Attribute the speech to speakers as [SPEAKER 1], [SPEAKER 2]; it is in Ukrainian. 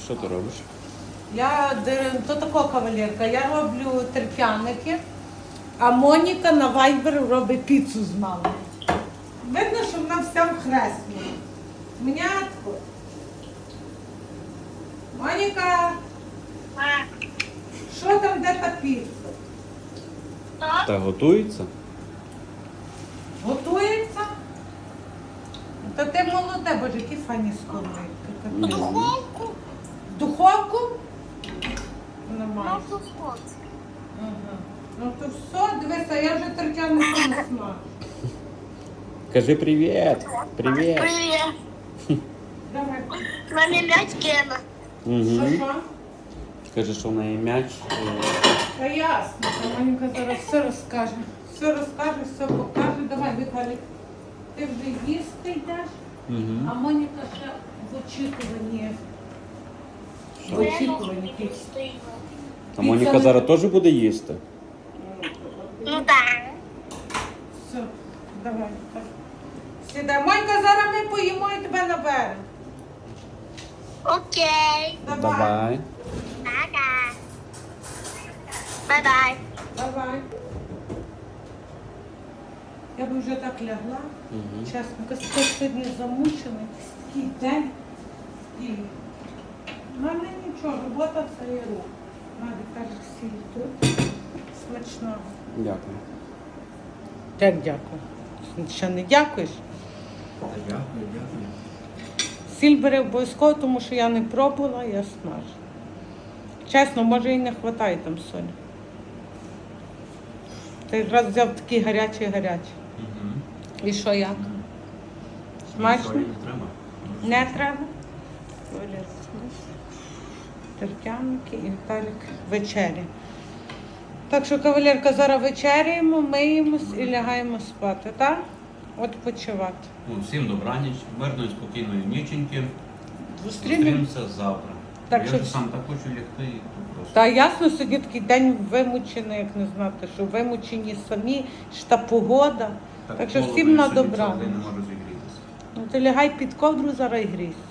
[SPEAKER 1] Що ти робиш?
[SPEAKER 2] То така кавалерка, я роблю терп'яники, а Моніка на вайбер робить піцу з мамою. Видно, що вона вся в хресні. Мнятко. Моніка, що там, де та піца?
[SPEAKER 1] Та готується?
[SPEAKER 2] Готується? Та ти молоде, боже, які файні сковорідки.
[SPEAKER 3] Духовку.
[SPEAKER 2] Духовку? Немає.
[SPEAKER 3] На духовку.
[SPEAKER 2] Ага. Ну то все, дивися, я вже тертянику не смажу.
[SPEAKER 1] Кажи привіт! Привіт!
[SPEAKER 3] Привет.
[SPEAKER 2] Давай.
[SPEAKER 3] Маме м'ять кена.
[SPEAKER 1] Угу.
[SPEAKER 2] Що?
[SPEAKER 1] Каже, що в неї м'яч.
[SPEAKER 2] Та ясно, та Манька зараз все розкаже. Все розкаже, все покаже. Давай, Віталік, ти вже їсти йдеш, а
[SPEAKER 1] Угу.
[SPEAKER 2] Моніка ще в очікуванні. В очікуванні піці.
[SPEAKER 1] А Моніка зараз теж буде їсти?
[SPEAKER 3] Ну да.
[SPEAKER 2] Все, давай. Так. Сідай. Монька, зараз ми поїмо і тебе наберемо.
[SPEAKER 3] Окей.
[SPEAKER 1] Давай.
[SPEAKER 3] Пока. Бай-бай.
[SPEAKER 2] Давай. Я б вже так лягла.
[SPEAKER 1] Угу.
[SPEAKER 2] Чесно, якось сьогодні замучена, такий день. І в мене нічого, робота це є рух. Надя каже, всі тут. Смачного.
[SPEAKER 1] Дякую.
[SPEAKER 2] Як дякую? Ще не дякуєш?
[SPEAKER 1] Дякую, дякую.
[SPEAKER 2] Сіль бери обов'язково, тому що я не пробувала, я смажу. Чесно, може і не вистачає там солі. Ти якраз взяв такі гарячі.
[SPEAKER 1] Угу.
[SPEAKER 2] І що як? Смачно? Не треба? Оля, тертяники і Віталік вечері. Так що, кавалерка, зараз вечеряємо, миємось і лягаємо спати, так? От почувати.
[SPEAKER 4] Ну, всім добраніч, мирної, спокійної ніченьки.
[SPEAKER 2] Зустрінемо.
[SPEAKER 4] Зустрінемося завтра.
[SPEAKER 2] Так
[SPEAKER 4] Я
[SPEAKER 2] що-
[SPEAKER 4] вже сам так хочу лягти, і то просто.
[SPEAKER 2] Та ясно, сьогодні такий день вимучений, як не знати, що вимучені самі, що та погода. Так що
[SPEAKER 4] холодно,
[SPEAKER 2] всім
[SPEAKER 4] я
[SPEAKER 2] на
[SPEAKER 4] сьогодні
[SPEAKER 2] добра.
[SPEAKER 4] цілий день не можу зігрітися.
[SPEAKER 2] Ну ти лягай під ковдру, зараз і грійся.